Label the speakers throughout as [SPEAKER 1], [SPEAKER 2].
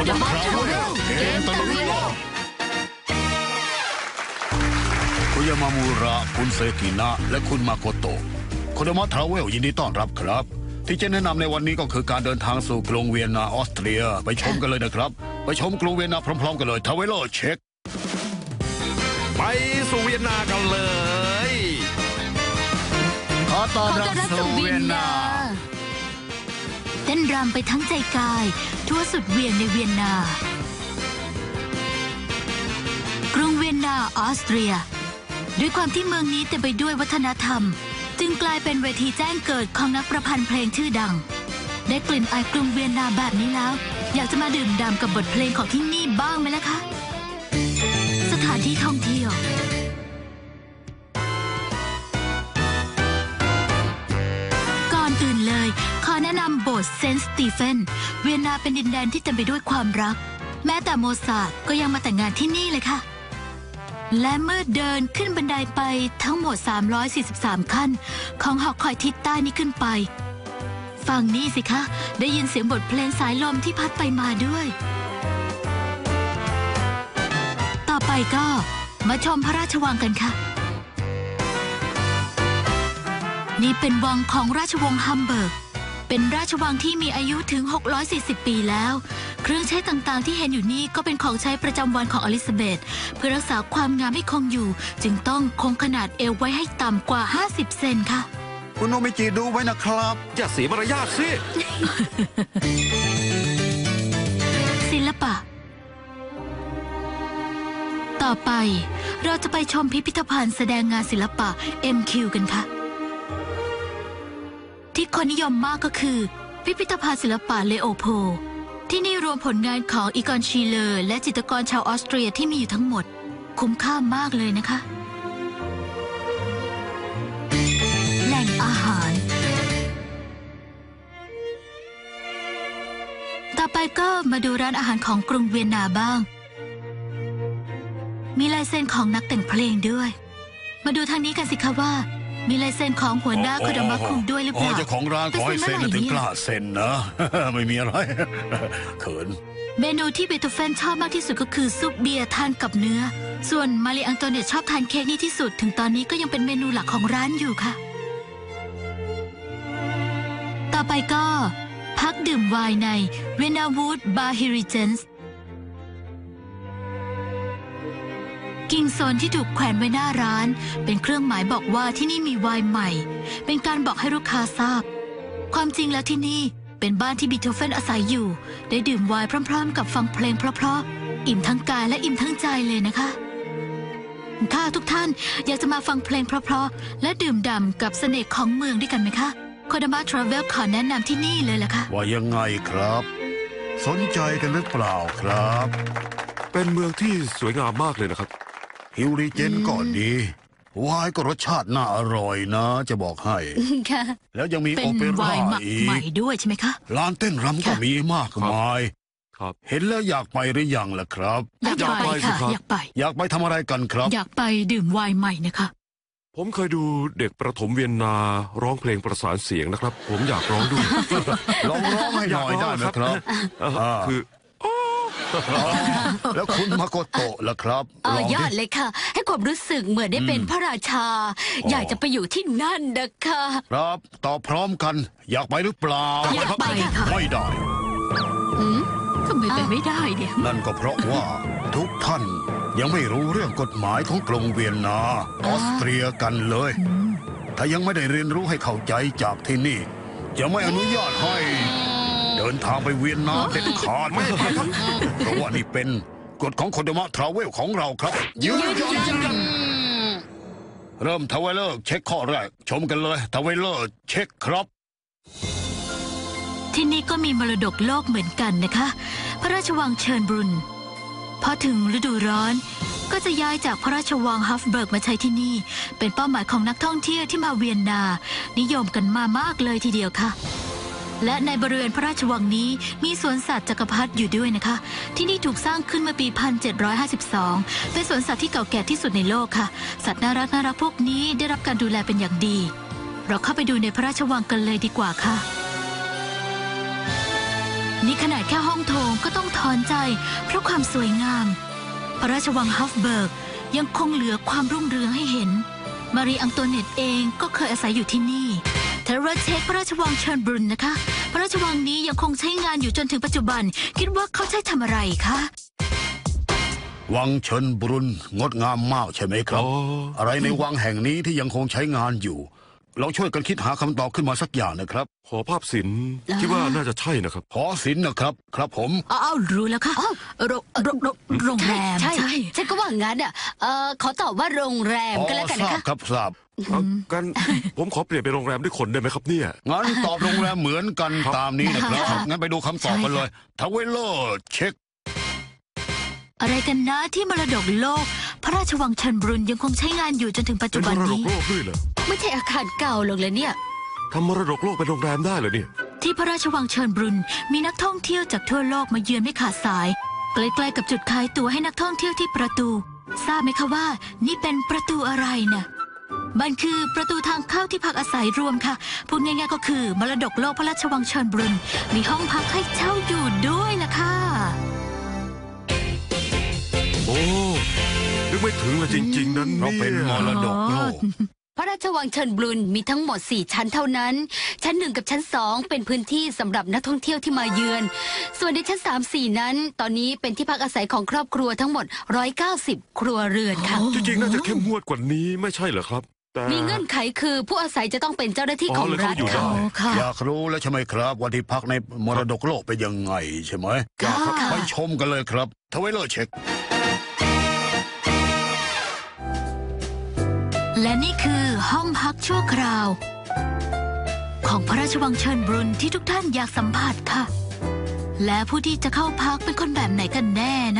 [SPEAKER 1] ดามะทราเวลเกมตะลุยโลกคุณยามามูระคุณเซกินะและคุณมาโกโตะโคดามะทราเวลยินดีต้อนรับครับที่จะแนะนำในวันนี้ก็คือการเดินทางสู่กรุงเวียนนาออสเตรียไปชมกันเลยนะครับไปชมกรุงเวียนนาพร้อมๆกันเลยทราเวลเช็ค
[SPEAKER 2] ไปสู่เวียนนากันเลย
[SPEAKER 1] ขอต้อนรับสู่เวียนนา
[SPEAKER 3] เต้นรำไปทั้งใจกายทั่วสุดเวียนในเวียนนากรุงเวียนนาออสเตรียด้วยความที่เมืองนี้เต็มไปด้วยวัฒนธรรมจึงกลายเป็นเวทีแจ้งเกิดของนักประพันธ์เพลงชื่อดังได้กลิ่นอายกรุงเวียนนาแบบนี้แล้วอยากจะมาดื่มด่ำกับบทเพลงของที่นี่บ้างไหมล่ะคะสถานที่ท่องเที่ยวก่อนอื่นเลยขอแนะนำโบสถ์เซนต์สตีเฟนเวียนนาเป็นดินแดนที่เต็มไปด้วยความรักแม้แต่โมซาร์ทก็ยังมาแต่งงานที่นี่เลยค่ะและเมื่อเดินขึ้นบันไดไปทั้งหมด343ขั้นของหอคอยทิศใต้นี้ขึ้นไปฟังนี่สิคะได้ยินเสียงบทเพลงสายลมที่พัดไปมาด้วยต่อไปก็มาชมพระราชวังกันค่ะนี่เป็นวังของราชวงศ์ฮัมเบิร์กเป็นราชวังที่มีอายุถึง640ปีแล้วเครื่องใช้ต่างๆที่เห็นอยู่นี่ก็เป็นของใช้ประจำวันของอลิซาเบธเพื่อรักษาความงามให้คงอยู่จึงต้องคงขนาดเอวไว้ให้ต่ำกว่า50เซนค่ะ
[SPEAKER 1] คุณโนมิจิดูไว้นะครับ
[SPEAKER 2] อย่าเสียมารยาทสิ
[SPEAKER 3] ศิลปะต่อไปเราจะไปชมพิพิธภัณฑ์แสดงงานศิลปะ MQ กันค่ะที่คนนิยมมากก็คือพิพิธภัณฑ์ศิลปะเลโอโพที่นี่รวมผลงานของอีกอนชีเลอร์และจิตรกรชาวออสเตรียที่มีอยู่ทั้งหมดคุ้มค่ามากเลยนะคะแหล่งอาหารต่อไปก็มาดูร้านอาหารของกรุงเวียนนาบ้างมีลายเซ็นของนักแต่งเพลงด้วยมาดูทางนี้กันสิคะว่ามีลายเซ็นของหัวหน้าโคดามะคุงด้วยหรือเปล่า
[SPEAKER 1] เจ้าของร้านขอให้เซ็นถึงกล้าเซ็นนะไม่มีอะไรเขิน
[SPEAKER 3] เมนูที่เบโธเฟนชอบมากที่สุดก็คือซุปเบียร์ทานกับเนื้อส่วนมารีอังโตเนตชอบทานเค้กนี่ที่สุดถึงตอนนี้ก็ยังเป็นเมนูหลักของร้านอยู่ค่ะต่อไปก็พักดื่มไวน์ในเวนาวูดบาร์ฮิริเจนส์กิ่งโซนที่ถูกแขวนไว้หน้าร้านเป็นเครื่องหมายบอกว่าที่นี่มีไวน์ใหม่เป็นการบอกให้ลูกค้าทราบความจริงแล้วที่นี่เป็นบ้านที่บีโธเฟนอาศัยอยู่ได้ดื่มไวน์พร้อมๆกับฟังเพลงเพราะๆอิ่มทั้งกายและอิ่มทั้งใจเลยนะคะถ้าทุกท่านอยากจะมาฟังเพลงเพราะๆและดื่มด่ำกับเสน่ห์ของเมืองด้วยกันไหมคะโคดามะทราเวลขอแนะนำที่นี่เลยล่ะค่ะ
[SPEAKER 1] ว่ายังไงครับสนใจกันหรือเปล่าครับ
[SPEAKER 2] เป็นเมืองที่สวยงามมากเลยนะครับ
[SPEAKER 1] ฮิวริเจนก็ดีวายก็รสชาติน่าอร่อยนะจะบอกให้
[SPEAKER 3] ค่ะ
[SPEAKER 1] แล้วยังมีโอเปร่าอีก
[SPEAKER 3] ใหม่ด้วยใช่ไหมคะ
[SPEAKER 1] ร้านเต้นรำก็มีมากมาย
[SPEAKER 2] ครับ
[SPEAKER 1] เห็นแล้วอยากไปหรือยังล่ะครับ
[SPEAKER 3] อยากไปค่ะ
[SPEAKER 1] อยากไปทำอะไรกันครับ
[SPEAKER 3] อยากไปดื่มไวน์ใหม่นะคะ
[SPEAKER 2] ผมเคยดูเด็กประถมเวียนนาร้องเพลงประสานเสียงนะครับผมอยากร้องด้วย
[SPEAKER 1] ร้องให้หน่อยได้ไหมครับ
[SPEAKER 2] คือ
[SPEAKER 1] แล้วคุณมาโกโตะล่ะครับ
[SPEAKER 3] ยอดเลยค่ะให้ความรู้สึกเหมือนได้เป็นพระราชาอยากจะไปอยู่ที่นั่นนะคะ
[SPEAKER 1] ครับตอบพร้อมกันอยากไปหรือเปล่า
[SPEAKER 3] อยากไปค่ะ
[SPEAKER 1] ไม่ได้
[SPEAKER 3] ทำไมไปไม่ได้เนี่ย
[SPEAKER 1] นั่นก็เพราะว่าทุกท่านยังไม่รู้เรื่องกฎหมายของกรุงเวียนนาออสเตรียกันเลยถ้ายังไม่ได้เรียนรู้ให้เข้าใจจากที่นี่จะไม่อนุญาตให้เดินทางไปเวียนนาเด็ดขาดเพราะว่านี่เป็นกฎของโคดามะทราเวลของเราครับยืนยันเริ่มทาวเวลเลอร์เช็คข้อแรกชมกันเลยทาวเวลเลอร์เช็คครับ
[SPEAKER 3] ที่นี่ก็มีมรดกโลกเหมือนกันนะคะพระราชวังเชิญบรุนพอถึงฤดูร้อนก็จะย้ายจากพระราชวังฮัฟเบิร์กมาใช้ที่นี่เป็นเป้าหมายของนักท่องเที่ยวที่มาเวียนนานิยมกันมามากเลยทีเดียวค่ะและในบริเวณพระราชวังนี้มีสวนสัตว์จักรพรรดิอยู่ด้วยนะคะที่นี่ถูกสร้างขึ้นเมื่อปี1752เป็นสวนสัตว์ที่เก่าแก่ที่สุดในโลกค่ะสัตว์น่ารักพวกนี้ได้รับการดูแลเป็นอย่างดีเราเข้าไปดูในพระราชวังกันเลยดีกว่าค่ะนี่ขนาดแค่ห้องโถงก็ต้องถอนใจเพราะความสวยงาม พระราชวังฮัฟเบิร์กยังคงเหลือความรุ่งเรืองให้เห็น มารีอังโตเนตเองก็เคยอาศัยอยู่ที่นี่เทเรเช็คพระราชวังเชิญบรุนนะคะพระราชวังนี้ยังคงใช้งานอยู่จนถึงปัจจุบันคิดว่าเขาใช้ทำอะไรคะ
[SPEAKER 1] วังเชิญบรุนงดงามมากใช่ไหมครับ
[SPEAKER 2] อ๋อ
[SPEAKER 1] อะไรในวังแห่งนี้ที่ยังคงใช้งานอยู่ลองช่วยกันคิดหาคำตอบขึ้นมาสักอย่างนะครับ
[SPEAKER 2] หอภาพศิลป์คิดว่าน่าจะใช่นะครับ
[SPEAKER 1] หอศิลป์นะครับครับผม
[SPEAKER 3] อ้าวรู้แล้วค่ะโรงแรม
[SPEAKER 4] ใช่ฉันก็ว่างั้นอ่ะขอตอบว่าโรงแรมก็แล้วกัน
[SPEAKER 1] ท
[SPEAKER 4] นะ
[SPEAKER 1] ราบ
[SPEAKER 4] คะ
[SPEAKER 1] ครับทราบ
[SPEAKER 2] เอากัน ผมขอเปลี่ยนเป็นโรงแรมด้วยคนได้ไหมครับเนี่ย
[SPEAKER 1] งั้นตอบโรงแรมเหมือนกัน
[SPEAKER 2] ครับ
[SPEAKER 1] ตามนี้นะครับ
[SPEAKER 3] ค่ะ
[SPEAKER 1] งั้นไปดูคำตอบกันเลยทาวเวลเลอร์เช็ค
[SPEAKER 3] อะไรกันนะที่มรดกโลก พระราชวังเชิญบรุนยังคงใช้งานอยู่จนถึงปัจ
[SPEAKER 2] เป็
[SPEAKER 3] จุ
[SPEAKER 2] น
[SPEAKER 3] บั
[SPEAKER 2] ม
[SPEAKER 3] น
[SPEAKER 2] รดก
[SPEAKER 3] นี้
[SPEAKER 2] โลกด้วยเหรอ
[SPEAKER 4] ไม่ใช่อาคารเก่าหรอกเลยเนี่ย
[SPEAKER 2] ทำมรดกโลกเป็นโรงแรมได้เหรอเนี่ย
[SPEAKER 3] ที่พระราชวังเชิญบรุนมีนักท่องเที่ยวจากทั่วโลกมาเยือนไม่ขาดสาย ใกล้ๆกับจุดขายตั๋วให้นักท่องเที่ยวที่ประตู ทราบไหมคะว่านี่เป็นประตูอะไรนะมันคือประตูทางเข้าที่พักอาศัยรวมค่ะพูดง่ายๆก็คือมรดกโลกพระราชวังเชิญบรุนมีห้องพักให้เช่าอยู่ด้วยล่ะค่ะ
[SPEAKER 2] โอ้นึกไม่ถึงเลยจริง ๆ นั้น
[SPEAKER 1] เรา
[SPEAKER 2] เนี่ย
[SPEAKER 1] เป็นมรดกโลก
[SPEAKER 4] พระราชวังเชิญบรุนมีทั้งหมด 4 ชั้นเท่านั้น ชั้น 1 กับชั้น 2 เป็นพื้นที่สำหรับนักท่องเที่ยวที่มาเยือน ส่วนในชั้น 3 4 นั้น ตอนนี้เป็นที่พักอาศัยของครอบครัวทั้งหมด 190 ครัวเรือนค่ะ
[SPEAKER 2] จริงๆน่าจะเข้มงวดกว่านี้ไม่ใช่เหรอครับ แต่
[SPEAKER 4] มีเงื่อนไขคือผู้อาศัยจะต้องเป็นเจ้าหน้าที่
[SPEAKER 2] อ๋อ
[SPEAKER 4] ของ
[SPEAKER 2] เลย
[SPEAKER 4] รัฐ
[SPEAKER 2] เขาอยู่
[SPEAKER 4] ค่ะ
[SPEAKER 2] ได้
[SPEAKER 3] ค่ะ
[SPEAKER 1] อยากรู้แล้วใช่ไหมครับว่าที่พักในมรดกโลกเป็นยังไงใช่ไหม
[SPEAKER 3] ค่ะ
[SPEAKER 1] ไปชมกันเลยครับทาวเวลเลอร์เช็ค
[SPEAKER 3] และนี่คือห้องพักชั่วคราว ของพระราชวังเชิญบรุนที่ทุกท่านอยากสัมผัสค่ะ และผู้ที่จะเข้าพักเป็นคนแบบไหนกันแน่นะ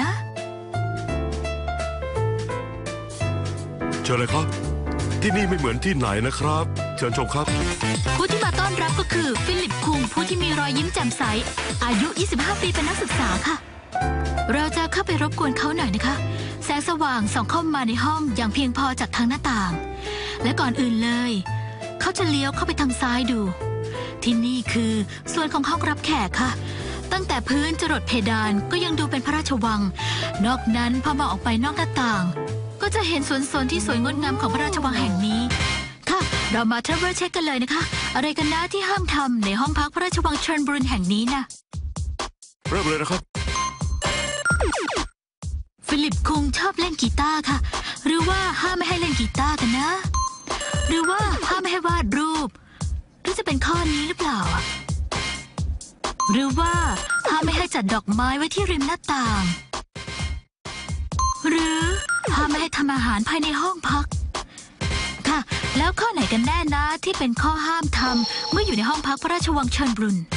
[SPEAKER 2] เชิญเลยครับ ที่นี่ไม่เหมือนที่ไหนนะครับ เชิญชมครับ
[SPEAKER 3] ผู้ที่มาต้อนรับก็คือฟิลิปคุงผู้ที่มีรอยยิ้มแจ่มใสอายุ 25 ปีเป็นนักศึกษาค่ะ เราจะเข้าไปรบกวนเขาหน่อยนะคะ แสงสว่างส่องเข้ามาในห้องอย่างเพียงพอจากทางหน้าต่าง และก่อนอื่นเลย เขาจะเลี้ยวเข้าไปทางซ้ายดู ที่นี่คือส่วนของห้องรับแขกค่ะ ตั้งแต่พื้นจรดเพดานก็ยังดูเป็นพระราชวัง นอกนั้นพอมองออกไปนอกหน้าต่าง ก็จะเห็นสวนสนที่สวยงดงามของพระราชวังแห่งนี้ ค่ะ เรามาทราเวลเช็คกันเลยนะคะ อะไรกันนะที่ห้ามทำในห้องพักพระราชวังเชิญบรุนแห่งนี้นะ
[SPEAKER 2] เริ่มเลยนะครับ
[SPEAKER 3] ฟิลิปคงชอบเล่นกีตาร์ค่ะ หรือว่าห้ามไม่ให้เล่นกีตาร์กันนะ หรือว่าห้ามไม่ให้วาดรูป หรือจะเป็นข้อนี้หรือเปล่าอะหรือว่าห้ามไม่ให้จัดดอกไม้ไว้ที่ริมหน้าต่าง หรือห้ามไม่ให้ทำอาหารภายในห้องพัก ค่ะ แล้วข้อไหนกันแน่นะที่เป็นข้อห้ามทำเมื่ออยู่ในห้องพักพระราชวังเชิญบรุน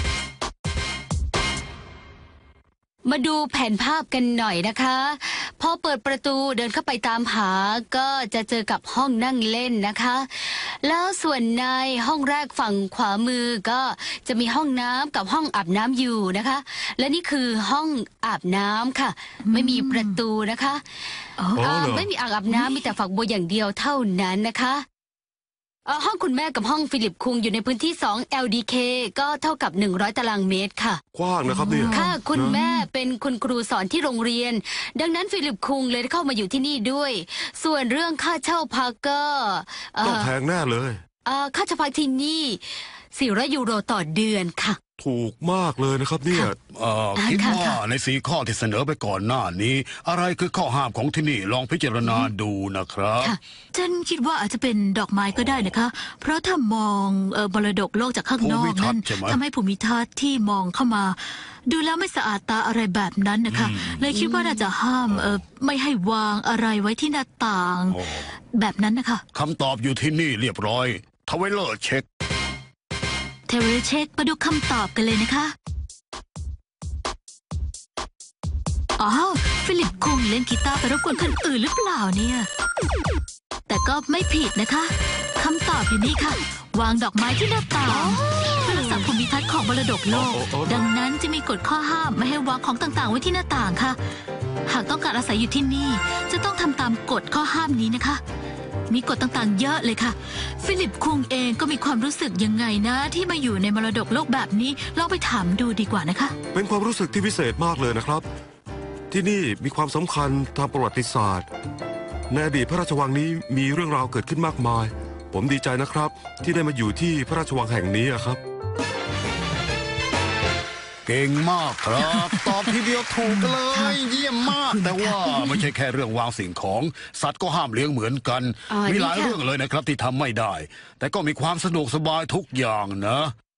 [SPEAKER 4] มาดูแผนภาพกันหน่อยนะคะ พอเปิดประตูเดินเข้าไปตามหาก็จะเจอกับห้องนั่งเล่นนะคะ แล้วส่วนในห้องแรกฝั่งขวามือก็จะมีห้องน้ำกับห้องอาบน้ำอยู่นะคะ และนี่คือห้องอาบน้ำค่ะ ไม่มีประตูนะคะ
[SPEAKER 3] อ๋อ
[SPEAKER 2] เหรอ
[SPEAKER 4] ไม่มีอ่างอาบน้ำมีแต่ฝักบัวอย่างเดียวเท่านั้นนะคะห้องคุณแม่กับห้องฟิลิปคุงอยู่ในพื้นที่ 2 LDK ก็เท่ากับ 100 ตารางเมตรค่ะ
[SPEAKER 2] กว้างนะครับเนี่ย
[SPEAKER 4] ค่ะคุณแม่เป็นคุณครูสอนที่โรงเรียน ดังนั้นฟิลิปคุงเลยได้เข้ามาอยู่ที่นี่ด้วย ส่วนเรื่องค่าเช่าพักก็
[SPEAKER 2] ต้องแพงแน่เลย
[SPEAKER 4] ค่าเช่าพักที่นี่400 ยูโรต่อเดือนค่ะ
[SPEAKER 2] ถูกมากเลยนะครับเนี่ย
[SPEAKER 1] คิด
[SPEAKER 4] ค่ะ
[SPEAKER 1] ว่า
[SPEAKER 4] ค่ะ
[SPEAKER 1] ใน4ข้อที่เสนอไปก่อนหน้านี้ อะไรคือข้อห้ามของที่นี่ลองพิจารณาดูนะครับ
[SPEAKER 4] ค่ะ
[SPEAKER 3] ฉันคิดว่าอาจจะเป็นดอกไม้ก็ได้นะคะ เพราะถ้ามองมรดกโลกจากข้างนอก
[SPEAKER 1] ภูมิทัศ
[SPEAKER 3] นั่น
[SPEAKER 1] น์ใช่ไหม
[SPEAKER 3] ทำให้ภูมิทัศน์ที่มองเข้ามา ดูแล้วไม่สะอาดตาอะไรแบบนั้นนะคะ เลยคิดว่าน่าจะห้ามไม่ให้วางอะไรไว้ที่หน้าต่าง
[SPEAKER 1] โอ้
[SPEAKER 3] แบบนั้นนะคะ
[SPEAKER 1] คำตอบอยู่ที่นี่เรียบร้อยทาวเวลเลอร์เช็ค
[SPEAKER 3] เทเรเช็คมาดูคำตอบกันเลยนะคะอ๋อฟิลิปคุงเล่นกีตาร์ไปรบกวนคนอื่นหรือเปล่าเนี่ย แต่ก็ไม่ผิดนะคะคำตอบอยู่นี่ค่ะ วางดอกไม้ที่หน้าต่างเพื่อรักษาภูมิทัศน์ของมรดกโลก ดังนั้นจะมีกฎข้อห้ามไม่ให้วางของต่างๆไว้ที่หน้าต่างค่ะ หากต้องการอาศัยอยู่ที่นี่จะต้องทำตามกฎข้อห้ามนี้นะคะมีกฎต่างๆเยอะเลยค่ะ ฟิลิปคุงเองก็มีความรู้สึกยังไงนะ ที่มาอยู่ในมรดกโลกแบบนี้ลองไปถามดูดีกว่านะคะ
[SPEAKER 2] เป็นความรู้สึกที่พิเศษมากเลยนะครับ ที่นี่มีความสำคัญทางประวัติศาสตร์ในอดีตพระราชวังนี้มีเรื่องราวเกิดขึ้นมากมาย ผมดีใจนะครับ ที่ได้มาอยู่ที่พระราชวังแห่งนี้อะครับ
[SPEAKER 1] เก่งมากครับ ตอบทีเดียวถูกเลย เยี่ยมมาก แต่ว่าไม่ใช่แค่เรื่องวางสิ่งของ สัตว์ก็ห้ามเลี้ยงเหมือนกัน มีหลายเรื่องเลยนะครับที่ทำไม่ได้ แต่ก็มีความสะดวกสบายทุกอย่างนะ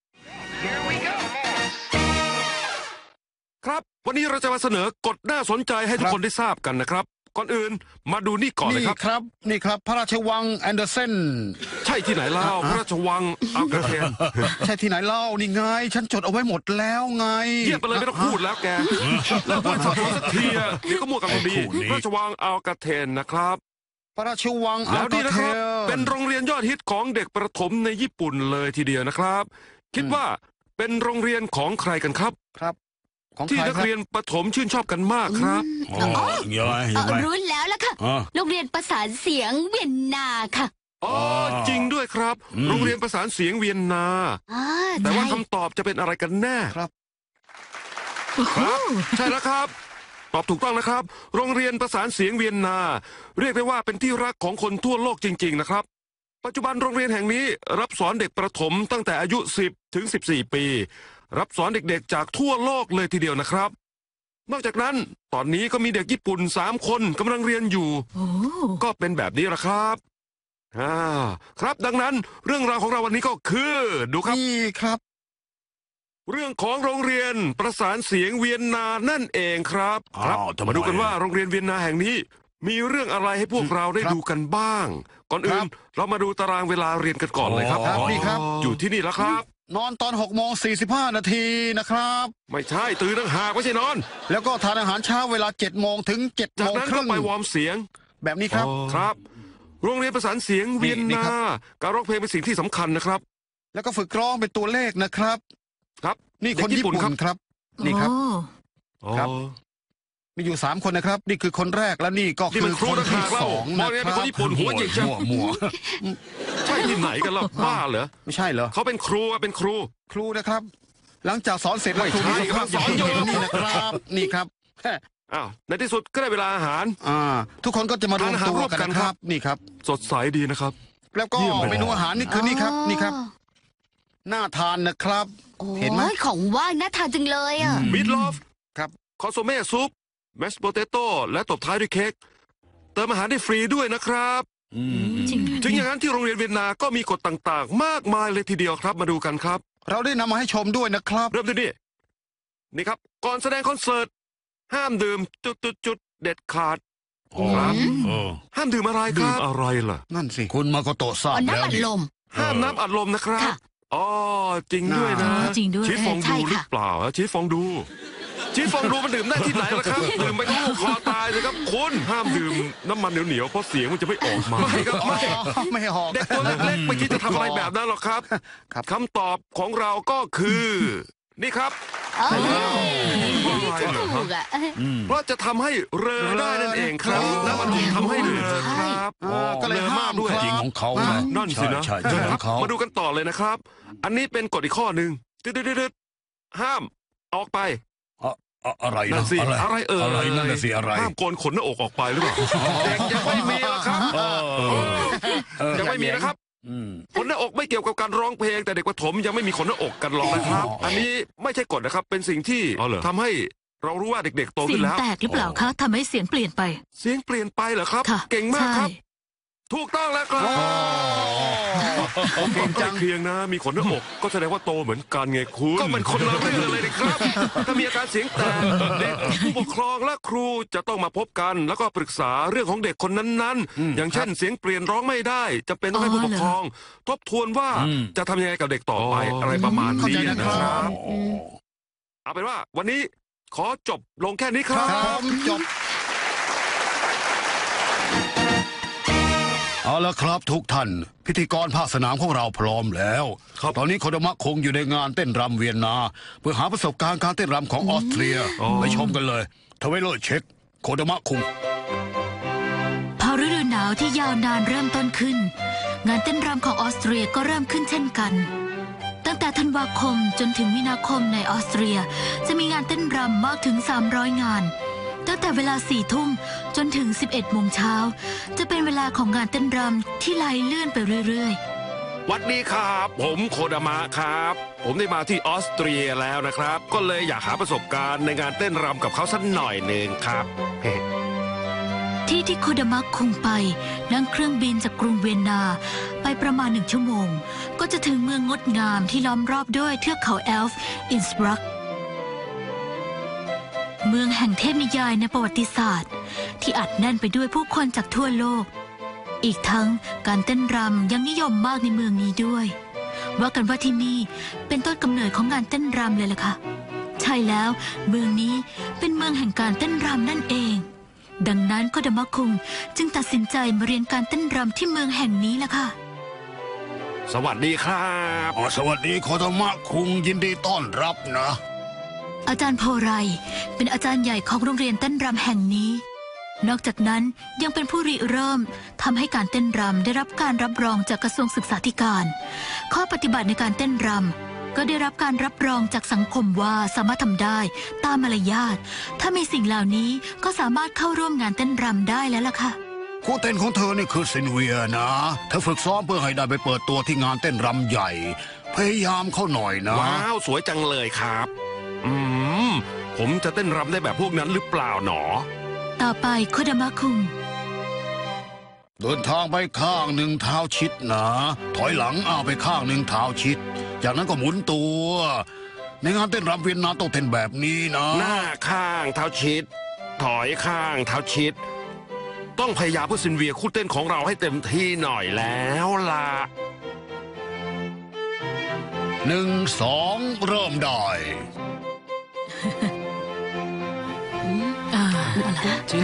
[SPEAKER 2] ครับวันนี้เราจะมาเสนอกฎน่าสนใจให้ทุกคนได้ทราบกันนะครับ ก่อนอื่นมาดูนี่ก่อนเลย
[SPEAKER 1] นี่
[SPEAKER 2] ครับ
[SPEAKER 1] ครับ นี่ครับ พระราชวังแอนเดอร์เซน
[SPEAKER 2] ใช่ที่ไหนเล่าพระราชวังอัลกาเทน
[SPEAKER 1] ใช่ที่ไหนเล่านี่ไง ฉันจดเอาไว้หมดแล้วไง
[SPEAKER 2] เยี่ยมไปเลยไม่ต้องพูดแล้วแกแล้วพูดสักทีสักทีอะเดี๋ยวก็มั่วกันพอดี
[SPEAKER 1] ไอ้คู่นี้
[SPEAKER 2] พระราชวังอัลกาเทนนะครับ
[SPEAKER 1] พระราชวังอั
[SPEAKER 2] แล้
[SPEAKER 1] ล
[SPEAKER 2] ว
[SPEAKER 1] กา
[SPEAKER 2] นี่นะ
[SPEAKER 1] เท
[SPEAKER 2] ครับ
[SPEAKER 1] ล
[SPEAKER 2] เป็นโรงเรียนยอดฮิตของเด็กประถมในญี่ปุ่นเลยทีเดียวนะครับ คิดว่าเป็นโรงเรียนของใครกันครับ
[SPEAKER 1] ครับ ของ
[SPEAKER 2] ที่
[SPEAKER 1] ใคร
[SPEAKER 2] นัก
[SPEAKER 1] ครับ
[SPEAKER 2] เรียนประถมชื่นชอบกันมากครับ
[SPEAKER 1] อ๋อยังไงยังไง
[SPEAKER 4] รู้แล้วล่ะค่ะ
[SPEAKER 1] อ่ะ
[SPEAKER 4] โรงเรียนประสานเสียงเวียนนาค่ะ
[SPEAKER 2] อ๋อจริงด้วยครับ โรงเรียนประสานเสียงเวียนนา
[SPEAKER 4] อ่า
[SPEAKER 2] แต่ว่า
[SPEAKER 4] ใช่
[SPEAKER 2] คำตอบจะเป็นอะไรกันแน่
[SPEAKER 1] ครับ
[SPEAKER 2] ครับใช่แล้วครับ ตอบถูกต้องนะครับ โรงเรียนประสานเสียงเวียนนา เรียกได้ว่าเป็นที่รักของคนทั่วโลกจริง ๆนะครับ ปัจจุบันโรงเรียนแห่งนี้รับสอนเด็กประถมตั้งแต่อายุ 10 ถึง 14 ปี รับสอนเด็กๆจากทั่วโลกเลยทีเดียวนะครับ นอกจากนั้นตอนนี้ก็มีเด็กญี่ปุ่น3 คนกำลังเรียนอยู่
[SPEAKER 3] โอ้
[SPEAKER 2] ก็เป็นแบบนี้แหละครับครับดังนั้นเรื่องราวของเราวันนี้ก็คือดูครับ
[SPEAKER 1] นี่ครับ
[SPEAKER 2] เรื่องของโรงเรียนประสานเสียงเวียนนานั่นเองครับ
[SPEAKER 1] อ้าวทำไม
[SPEAKER 2] มาดูกันว่าโรงเรียนเวียนนาแห่งนี้ มีเรื่องอะไรให้พวกเราได้
[SPEAKER 1] ครับ
[SPEAKER 2] ดูกันบ้าง ก่อนอื่
[SPEAKER 1] ครั
[SPEAKER 2] น
[SPEAKER 1] บ
[SPEAKER 2] เรามาดูตารางเวลาเรียนกันก่อนเลยครับ
[SPEAKER 1] ครับนี่ครับ
[SPEAKER 2] อยู่ที่นี่แล้วครับ
[SPEAKER 1] นอนตอน6:45 นาทีนะครับ
[SPEAKER 2] ไม่ใช่ตื่นตั้งหากไม่ใช่นอน
[SPEAKER 1] แล้วก็ทานอาหารเช้าเวลา7 โมงถึง7
[SPEAKER 2] จา
[SPEAKER 1] โม
[SPEAKER 2] ก
[SPEAKER 1] ง
[SPEAKER 2] นั้น
[SPEAKER 1] ค
[SPEAKER 2] ก็
[SPEAKER 1] รึ่ง
[SPEAKER 2] ไปวอร์มเสียง
[SPEAKER 1] แบบนี้ครับ
[SPEAKER 2] ครับ โรงเรียนประสานเสียงเวียน
[SPEAKER 1] นี่
[SPEAKER 2] นา
[SPEAKER 1] ครับ
[SPEAKER 2] การร้องเพลงเป็นสิ่งที่สำคัญนะครับ
[SPEAKER 1] แล้วก็ฝึกร้องเป็นตัวเลขนะครับ
[SPEAKER 2] ครับ
[SPEAKER 1] นี่คนญี่ปุ่นครับ นี่ครับ
[SPEAKER 3] โอ้
[SPEAKER 1] ครับ มีอยู่3 คนนะครับ นี่คือคนแรกและนี่ก็
[SPEAKER 2] นี่
[SPEAKER 1] คื
[SPEAKER 2] มั
[SPEAKER 1] อน
[SPEAKER 2] ครู
[SPEAKER 1] คน
[SPEAKER 2] ต่าง
[SPEAKER 1] ที่
[SPEAKER 2] หากเล่า
[SPEAKER 1] 2
[SPEAKER 2] ม
[SPEAKER 1] นะ
[SPEAKER 2] องเนี่ย
[SPEAKER 1] ค
[SPEAKER 2] เป็น
[SPEAKER 1] รับ
[SPEAKER 2] คนญี่ปุ่นหัวหยิกจัง
[SPEAKER 1] มั่ว
[SPEAKER 2] ใช่ที่ไหนกันล่ะบ้าเหรอ
[SPEAKER 1] ไม่ใช่เหรอ
[SPEAKER 2] เขาเป็นครูอะเป็นครู
[SPEAKER 1] ครูนะครับ หลังจากสอนเสร็จแล้ว
[SPEAKER 2] ไม่
[SPEAKER 1] ครู
[SPEAKER 2] ใช่
[SPEAKER 1] มีสภาพอย่างที่
[SPEAKER 2] สอนอยู่
[SPEAKER 1] เห็นนี่นะครับ นี่ครับ
[SPEAKER 2] อ้าวในที่สุดก็ได้เวลาอาหาร
[SPEAKER 1] ทุกคนก็จะมารวมตัวกัน
[SPEAKER 2] ทานอาหารร่วมกัน
[SPEAKER 1] นะค
[SPEAKER 2] ครั
[SPEAKER 1] รับ
[SPEAKER 2] บ
[SPEAKER 1] นี่ครับ
[SPEAKER 2] สดใสดีนะครับ
[SPEAKER 1] แล้วก็
[SPEAKER 2] เยี่ยมเลย
[SPEAKER 1] เมนูอาหารนี่คือนี่ครับนี่ครับ น่าทานนะครับ
[SPEAKER 4] โอ้
[SPEAKER 1] เห็นไหม
[SPEAKER 4] ยของว่างน่าทานจังเลยอ่ะ
[SPEAKER 2] มิดลอฟ
[SPEAKER 1] ครับ
[SPEAKER 2] คอนโซเม่ซุปแมสโปเตโต้และตบท้ายด้วยเค้กเติมอาหารได้ฟรีด้วยนะครับ
[SPEAKER 3] จริง
[SPEAKER 2] ถึงอย่างนั้นที่โรงเรียนเวียนนาก็มีกฎต่างๆ มากมายเลยทีเดียวครับ มาดูกันครับ
[SPEAKER 1] เราได้นำมาให้ชมด้วยนะครับ
[SPEAKER 2] เริ่มที่นี่นี่ครับ ก่อนแสดงคอนเสิร์ตห้ามดื่มจุดเด็ดขาด ครับ ห้ามดื่มอะไรค
[SPEAKER 5] ดื่ม
[SPEAKER 2] รับ
[SPEAKER 5] อะไรล่ะ
[SPEAKER 1] นั่นสิคุณมาโกโตะทราบ
[SPEAKER 4] เอา
[SPEAKER 1] แล้ว
[SPEAKER 4] น้ำอัด
[SPEAKER 1] นี่
[SPEAKER 4] ลม
[SPEAKER 2] ห้ามน้ำอัดลมนะครับ
[SPEAKER 4] ค่ะ
[SPEAKER 2] อ๋อจริงด้วยนะ
[SPEAKER 3] จริงด้วย
[SPEAKER 2] ชีสฟอง
[SPEAKER 4] ใช่
[SPEAKER 2] ดูหรือ
[SPEAKER 4] ค่ะ
[SPEAKER 2] เปล่าฮะชีสฟองดูชีสฟองดูมันดื่มได้ที่ไหนล่ะครับ ดื่มไปก็ลูกคอตายเลยครับคุณห้ามดื่มน้ำมันเหนียวๆเพราะเสียงมันจะไม่ออกมาไม่ครับไม่
[SPEAKER 1] ไม่หอก
[SPEAKER 2] เด็กตัวเล็กๆไม่คิดจะทำอะไรแบบนั้นหรอกครับ
[SPEAKER 1] ครับ
[SPEAKER 2] คำตอบของเราก็คือ นี่ครับ
[SPEAKER 4] เออ
[SPEAKER 2] อะไรเหรอ
[SPEAKER 4] ถูกอ่ะ
[SPEAKER 2] เพราะจะทำให้เรอได้นั่นเองครับน้ำมันทำให้เรอครับ
[SPEAKER 1] ก็เลย
[SPEAKER 2] รอ
[SPEAKER 1] ห้าม
[SPEAKER 2] ด้วย
[SPEAKER 1] ครับจริงของเขานะ
[SPEAKER 2] นั่นสินะ
[SPEAKER 1] ใช่ใช่
[SPEAKER 2] ค
[SPEAKER 1] ข
[SPEAKER 2] รั
[SPEAKER 1] อบ งเขา
[SPEAKER 2] มาดูกันต่อเลยนะครับ อันนี้เป็นกฎอีกข้อหนึ่งดึดๆๆห้ามออกไป
[SPEAKER 1] อะไร
[SPEAKER 2] นั่
[SPEAKER 1] นะ
[SPEAKER 2] นสิอะไรเอ่ย
[SPEAKER 1] อะไรนั่นน่ะสิอะไร
[SPEAKER 2] ห้ามโกนขนหน้าอกออกไปหรือเปล่าเด็กยังไม่มีหรอกครับยังไม่มีนะครับ
[SPEAKER 1] อืม
[SPEAKER 2] ขนหน้าอกไม่เกี่ยวกับการร้องเพลง แต่เด็กประถมยังไม่มีขนหน้าอกกันหรอกนะครับ อันนี้ไม่ใช่กฎนะครับ เป็นสิ่งที่
[SPEAKER 5] อ๋อเหรอ
[SPEAKER 2] ทำให้เรารู้ว่าเด็กๆโต
[SPEAKER 3] เสี
[SPEAKER 2] ขึ้
[SPEAKER 3] ย
[SPEAKER 2] น
[SPEAKER 3] ง
[SPEAKER 2] แล้ว
[SPEAKER 3] แตกหรือเปล่าคะทำให้เสียงเปลี่ยนไป
[SPEAKER 2] เสียงเปลี่ยนไปเหรอครับ
[SPEAKER 3] ค่ะ
[SPEAKER 2] เก่งมากครับ
[SPEAKER 3] ใช่
[SPEAKER 2] ถูกต้องแล้วครับ
[SPEAKER 1] เก่งจัง
[SPEAKER 5] เพียงนะมีขนหน้าอกก็แสดงว่าโตเหมือนกันไงคุณ
[SPEAKER 2] ก็มันคนละเรื่องเลยนะครับ ถ้ามีอาการเสียงแตกเด็กผู้ปกครองและครูจะต้องมาพบกัน แล้วก็ปรึกษาเรื่องของเด็กคนนั้นๆ อย่างเช่นเสียงเปลี่ยนร้องไม่ได้จะเป็นต้องให้ผู้ปกครอง ทบทวนว่าจะทำยังไงกับเด็กต่อไปอะไรประมาณ
[SPEAKER 1] เข้า
[SPEAKER 2] นี้
[SPEAKER 1] ใจนะ
[SPEAKER 2] นะ
[SPEAKER 1] ค
[SPEAKER 2] ค
[SPEAKER 1] รั
[SPEAKER 2] รั
[SPEAKER 1] บบ
[SPEAKER 2] เอาเป็นว่าวันนี้ขอจบลงแค่นี้ค
[SPEAKER 1] ค
[SPEAKER 2] รั
[SPEAKER 1] รั
[SPEAKER 2] บบ
[SPEAKER 1] จบเอาละครับทุกท่าน พิธีกรภาคสนามของเราพร้อมแล้ว ตอนนี้โคดามะคงอยู่ในงานเต้นรำเวียนนา เพื่อหาประสบการณ์การเต้นรำของออสเตรีย ไปชมกันเลยทเวลเลอร์เช็คโคดามะคง
[SPEAKER 3] พอฤดูหนาวที่ยาวนานเริ่มต้นขึ้นงานเต้นรำของออสเตรียก็เริ่มขึ้นเช่นกันตั้งแต่ธันวาคมจนถึงมีนาคมในออสเตรียจะมีงานเต้นรำมากถึง300งานตั้งแต่เวลา4 ทุ่มจนถึง11 โมงเช้าจะเป็นเวลาของงานเต้นรำที่ไหลเลื่อนไปเรื่อยๆ
[SPEAKER 2] วัดนี้ครับผมโคดามะครับ ผมได้มาที่ออสเตรียแล้วนะครับ ก็เลยอยากหาประสบการณ์ในงานเต้นรำกับเขาสักหน่อยหนึ่งครับ
[SPEAKER 3] ที่โคดามะคุงไปนั่งเครื่องบินจากกรุงเวียนนาไปประมาณ1 ชั่วโมงก็จะถึงเมืองงดงามที่ล้อมรอบด้วยเทือกเขาแอลฟ์อินสบรักเมืองแห่งเทพนิยายในประวัติศาสตร์ที่อัดแน่นไปด้วยผู้คนจากทั่วโลกอีกทั้งการเต้นรำยังนิยมมากในเมืองนี้ด้วยว่ากันว่าที่นี่เป็นต้นกำเนิดของงานเต้นรำเลยล่ะค่ะใช่แล้วเมืองนี้เป็นเมืองแห่งการเต้นรำนั่นเองดังนั้นโคดามะคุงจึงตัดสินใจมาเรียนการเต้นรำที่เมืองแห่งนี้ล่ะค่ะ
[SPEAKER 2] สวัสดีครับ
[SPEAKER 1] สวัสดีโคตามะคุงยินดีต้อนรับนะ
[SPEAKER 3] อาจารย์โพไรเป็นอาจารย์ใหญ่ของโรงเรียนเต้นรำแห่งนี้ นอกจากนั้นยังเป็นผู้ริเริ่มทำให้การเต้นรำได้รับการรับรองจากกระทรวงศึกษาธิการ ข้อปฏิบัติในการเต้นรำก็ได้รับการรับรองจากสังคมว่าสามารถทำได้ตามมารยาทถ้ามีสิ่งเหล่านี้ก็สามารถเข้าร่วมงานเต้นรำได้แล้วล่ะค่ะ
[SPEAKER 1] คู่เต้นของเธอนี่คือซินเวียนะเธอฝึกซ้อมเพื่อให้ได้ไปเปิดตัวที่งานเต้นรำใหญ่พยายามเข้าหน่อยนะ
[SPEAKER 2] ว้าวสวยจังเลยครับผมจะเต้นรำได้แบบพวกนั้นหรือเปล่าหนอ
[SPEAKER 3] ต่อไปโคดามะคุง
[SPEAKER 1] เดินทางไปข้างหนึ่งเท้าชิดนะถอยหลังไปข้างหนึ่งเท้าชิดจากนั้นก็หมุนตัวในงานเต้นรำเวียนนาต้องเต้นแบบนี้นะ
[SPEAKER 2] หน้าข้างเท้าชิดถอยข้างเท้าชิดต้องพยายามเพื่อซินเวียคู่เต้นของเราให้เต็มที่หน่อยแล้วล่ะ
[SPEAKER 1] 1 2เริ่มได้
[SPEAKER 4] ชิด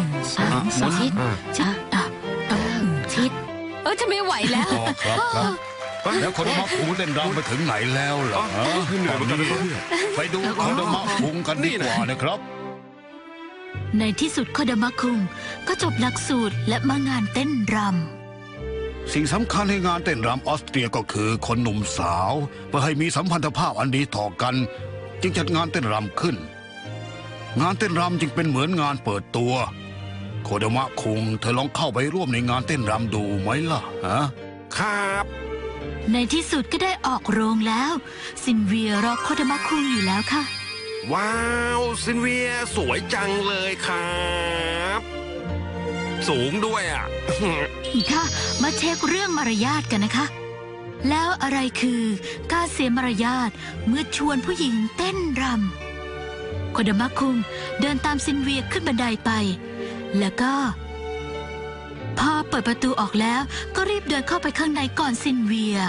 [SPEAKER 4] ชิดจะไม่ไหวแล้ว
[SPEAKER 1] ครับแล้วโคดามะคุงเล่นรำไปถึงไหนแล้วเหรอไปดูโคดามะคุงกันดีกว่านะครับ
[SPEAKER 3] ในที่สุดโคดามะคุงก็จบหลักสูตรและมางานเต้นรำ
[SPEAKER 1] สิ่งสำคัญในงานเต้นรำออสเตรียก็คือคนหนุ่มสาวเพื่อให้มีสัมพันธภาพอันดีต่อกันจึงจัดงานเต้นรำขึ้นงานเต้นรำจึงเป็นเหมือนงานเปิดตัวโคดามะคุงเธอลองเข้าไปร่วมในงานเต้นรำดูไหมล่ะฮะ
[SPEAKER 2] ครับ
[SPEAKER 3] ในที่สุดก็ได้ออกโรงแล้วซินเวียรอโคดามะคุงอยู่แล้วค่ะ
[SPEAKER 2] ว้าวซินเวียสวยจังเลยครับสูงด้วยอ่ะ
[SPEAKER 3] ค่ะมาเช็คเรื่องมารยาทกันนะคะแล้วอะไรคือการเสียมารยาทเมื่อชวนผู้หญิงเต้นรำโคดามะคุงเดินตามซินเวียขึ้นบันไดไปแล้วก็พอเปิดประตูออกแล้วก็รีบเดินเข้าไปข้างในก่อนซินเวีย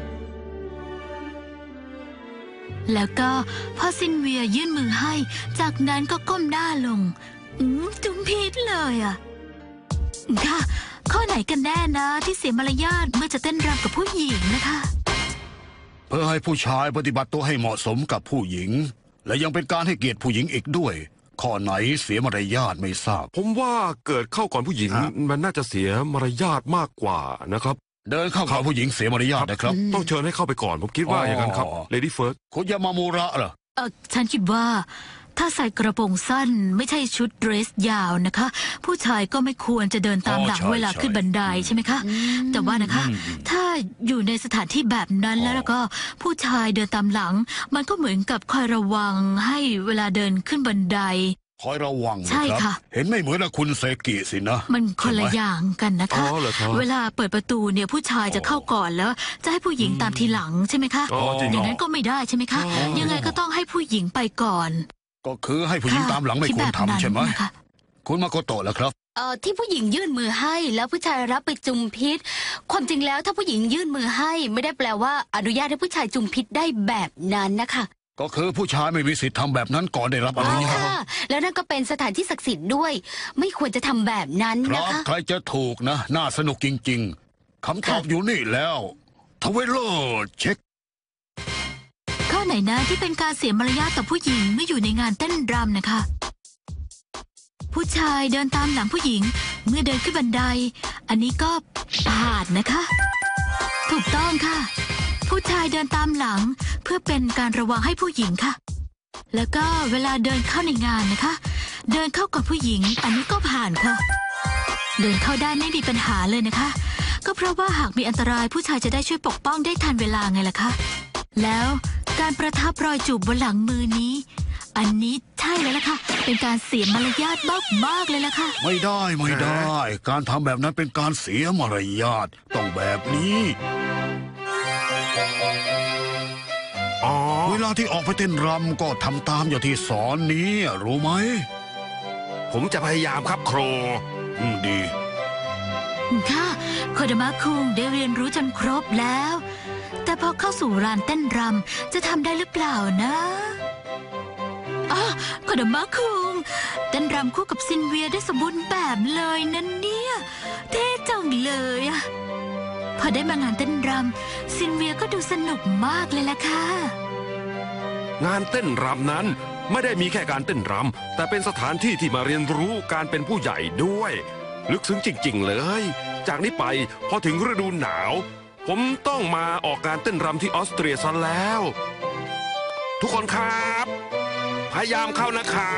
[SPEAKER 3] แล้วก็พอซินเวียยื่นมือให้จากนั้นก็ก้มหน้าลงจุมพิษเลยอ่ะค่ะข้อไหนกันแน่นะที่เสียมารยาทเมื่อจะเต้นรำกับผู้หญิงนะคะ
[SPEAKER 1] เพื่อให้ผู้ชายปฏิบัติตัวให้เหมาะสมกับผู้หญิงและยังเป็นการให้เกียรติผู้หญิงอีกด้วยข้อไหนเสียมารยาทไม่ทราบ
[SPEAKER 2] ผมว่าเกิดเข้าก่อนผู้หญิงมันน่าจะเสียมารยาทมากกว่านะครับ
[SPEAKER 1] เดินเข้ากับผู้หญิงเสียมารยาทนะครับ
[SPEAKER 2] ต้องเชิญให้เข้าไปก่อนผมคิดว่าอย่างนั้นครับเลดี้เฟิร์ส
[SPEAKER 1] คุณยามามูระเหรอ
[SPEAKER 3] ฉันคิดว่าถ้าใส่กระโปรงสั้นไม่ใช่ชุดเดรสยาวนะคะผู้ชายก็ไม่ควรจะเดินตามหลังเวลาขึ้นบันไดใช่ไหมคะแต่ว่านะคะถ้าอยู่ในสถานที่แบบนั้นแล้วก็ผู้ชายเดินตามหลังมันก็เหมือนกับคอยระวังให้เวลาเดินขึ้นบันได
[SPEAKER 1] คอยระวัง
[SPEAKER 3] ใช่ค่ะ
[SPEAKER 1] เห็นไม่เหมือนกับคุณเซกิสินะ
[SPEAKER 3] มันคนละอย่างกันนะคะเวลาเปิดประตูเนี่ยผู้ชายจะเข้าก่อนแล้วจะให้ผู้หญิงตามทีหลังใช่ไหมคะอย่างนั้นก็ไม่ได้ใช่ไหมคะยังไงก็ต้องให้ผู้หญิงไปก่อน
[SPEAKER 1] ก็คือให้ผู้หญิงตามหลังไม่ควรทำใช่ไหมคุณมาโกโตะแล้วครับ
[SPEAKER 4] ที่ผู้หญิงยื่นมือให้แล้วผู้ชายรับไปจุมพิษความจริงแล้วถ้าผู้หญิงยื่นมือให้ไม่ได้แปลว่าอนุญาตให้ผู้ชายจุมพิษได้แบบนั้นนะคะ
[SPEAKER 1] ก็คือผู้ชายไม่มีสิทธิ์ทำแบบนั้นก่อนได้รับอนุญาต
[SPEAKER 4] แล้วนั่นก็เป็นสถานที่ศักดิ์สิทธิ์ด้วยไม่ควรจะทำแบบนั้นนะคะ
[SPEAKER 1] ใครจะถูกนะน่าสนุกจริงๆคำตอบอยู่นี่แล้วทเวลโลเช็ค
[SPEAKER 3] ข้อไหนนะที่เป็นการเสียมารยาทต่อผู้หญิงเมื่ออยู่ในงานเต้นรำนะคะผู้ผู้ชายเดินตามหลังผู้หญิง เมื่อเดินขึ้นบันได อันนี้ก็ผ่านนะคะ ถูกต้องค่ะ ผู้ชายเดินตามหลังเพื่อเป็นการระวังให้ผู้หญิงค่ะ แล้วก็เวลาเดินเข้าในงานนะคะ เดินเข้ากับผู้หญิง อันนี้ก็ผ่านค่ะ เดินเข้าได้ไม่มีปัญหาเลยนะคะ ก็เพราะว่าหากมีอันตรายผู้ชายจะได้ช่วยปกป้องได้ทันเวลาไงล่ะคะ แล้วการประทับรอยจูบบนหลังมือนี้ อันนี้ใช่แล้วล่ะค่ะ เป็นการเสียมารยาทมากๆเลยล่ะค่ะ
[SPEAKER 1] ไม่ได้ไม่ได้ การทำแบบนั้นเป็นการเสียมารยาทต้องแบบนี้
[SPEAKER 2] อ๋อ
[SPEAKER 1] เวลาที่ออกไปเต้นรำก็ทำตามอย่างที่สอนนี้รู้ไหม
[SPEAKER 2] ผมจะพยายามครับครู
[SPEAKER 1] ดี
[SPEAKER 3] ค่ะโคดามะคุงได้เรียนรู้จนครบแล้ว แต่พอเข้าสู่ลานเต้นรำจะทำได้หรือเปล่านะอ๋อโคดามะคุงเต้นรำคู่กับซินเวียได้สมบูรณ์แบบเลยนั่นเนี่ยเท่จังเลยอะพอได้มางานเต้นรำซินเวียก็ดูสนุกมากเลยล่ะค่ะ
[SPEAKER 2] งานเต้นรำนั้นไม่ได้มีแค่การเต้นรำแต่เป็นสถานที่ที่มาเรียนรู้การเป็นผู้ใหญ่ด้วย ลึกซึ้งจริง ๆ เลย จากนี้ไปพอถึงฤดูหนาว ผมต้องมาออกงานเต้นรำที่ออสเตรียซะแล้ว ทุกคนครับ พยายามเข้านะครับ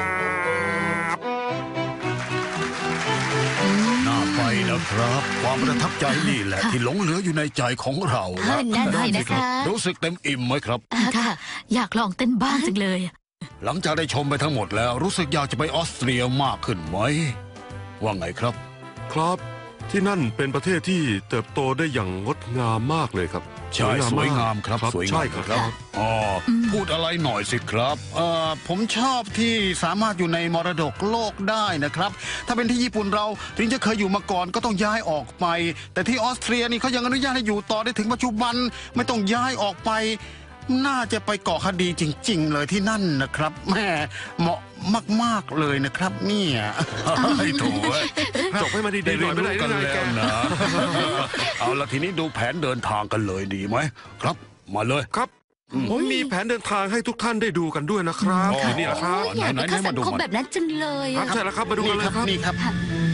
[SPEAKER 1] น่าไปนะครับ ความประทับใจนี่แหละ ที่หลงเหลืออยู่ในใจของเรา
[SPEAKER 4] นั่นสินะคะ
[SPEAKER 1] รู้สึกเต็มอิ่มไหมครับ
[SPEAKER 3] ค่ะ อยากลองเต้นบ้างจังเลยอะ
[SPEAKER 1] หลังจากได้ชมไปทั้งหมดแล้ว รู้สึกอยากจะไปออสเตรียมากขึ้นไหม ว่าไงครับ
[SPEAKER 5] ครับที่นั่นเป็นประเทศที่เติบโตได้อย่างงดงามมากเลยครับ
[SPEAKER 1] ใช่สวยงามครับสวยงาม
[SPEAKER 5] ใช่ครับ
[SPEAKER 1] อ๋อพูดอะไรหน่อยสิครับผมชอบที่สามารถอยู่ในมรดกโลกได้นะครับ ถ้าเป็นที่ญี่ปุ่นเราถึงจะเคยอยู่มาก่อนก็ต้องย้ายออกไป แต่ที่ออสเตรียนี่เขายังอนุญาตให้อยู่ต่อได้ถึงปัจจุบันไม่ต้องย้ายออกไป น่าจะไปก่อคดีจริง ๆ เลยที่นั่นนะครับแหม่เหมาะมากๆเลยนะครับเนี่ยไอ้โถูก
[SPEAKER 2] จบให้มันดี
[SPEAKER 1] ได้
[SPEAKER 2] ๆหน่
[SPEAKER 1] เรี
[SPEAKER 2] อย ย
[SPEAKER 1] น
[SPEAKER 2] ไม่
[SPEAKER 1] รู้
[SPEAKER 2] ได้
[SPEAKER 1] กัน
[SPEAKER 2] ยังไง
[SPEAKER 1] แล้ว
[SPEAKER 2] แก
[SPEAKER 1] นะ เอาละทีนี้ดูแผนเดินทางกันเลยดีไหมครับ มาเลย
[SPEAKER 2] ครับผมมีแผนเดินทางให้ทุกท่านได้ดูกันด้วยนะครับ
[SPEAKER 1] อ๋อ
[SPEAKER 2] นี่แหละครับ
[SPEAKER 4] อยากเป็นข้าสังคมแบบนั้นจังเลย
[SPEAKER 2] ครั
[SPEAKER 4] อะ
[SPEAKER 2] บใช่แล้วครับมาดูกันเลยครับ
[SPEAKER 1] นี่ครับ